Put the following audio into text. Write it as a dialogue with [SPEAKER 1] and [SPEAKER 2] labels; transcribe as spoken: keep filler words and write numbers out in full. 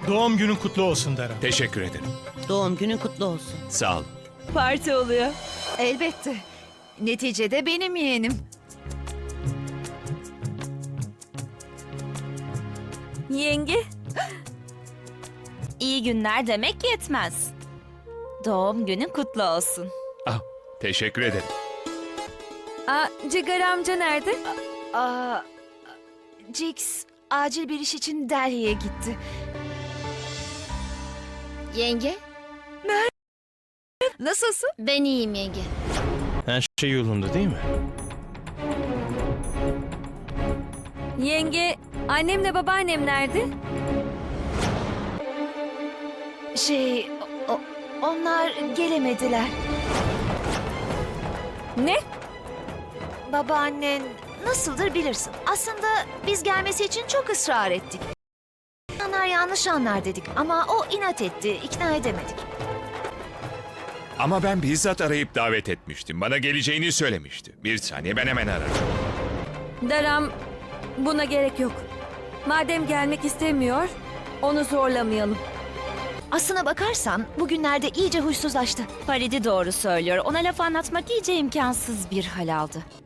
[SPEAKER 1] Doğum günün kutlu olsun Daram.
[SPEAKER 2] Teşekkür ederim.
[SPEAKER 3] Doğum günün kutlu olsun.
[SPEAKER 2] Sağ ol.
[SPEAKER 4] Parti oluyor.
[SPEAKER 5] Elbette. Neticede benim yeğenim.
[SPEAKER 4] Yenge. İyi günler demek yetmez. Doğum günün kutlu olsun.
[SPEAKER 2] Ah, teşekkür ederim.
[SPEAKER 4] Aa, Cigar amca nerede?
[SPEAKER 5] Aa, Jix acil bir iş için Delhi'ye gitti.
[SPEAKER 6] Yenge,
[SPEAKER 5] Nasılsın?
[SPEAKER 6] ben iyiyim yenge.
[SPEAKER 1] Her şey yolunda değil mi?
[SPEAKER 4] Yenge, annemle babaannem nerede?
[SPEAKER 5] Şey, o- onlar gelemediler.
[SPEAKER 4] Ne?
[SPEAKER 5] Babaannen nasıldır bilirsin. Aslında biz gelmesi için çok ısrar ettik. İnsanlar yanlış anlar dedik ama o inat etti, ikna edemedik.
[SPEAKER 2] Ama ben bizzat arayıp davet etmiştim. Bana geleceğini söylemişti. Bir saniye, ben hemen ararım.
[SPEAKER 4] Daram, buna gerek yok. Madem gelmek istemiyor, onu zorlamayalım.
[SPEAKER 5] Aslına bakarsan bugünlerde iyice huysuzlaştı.
[SPEAKER 7] Faridi doğru söylüyor. Ona laf anlatmak iyice imkansız bir hal aldı.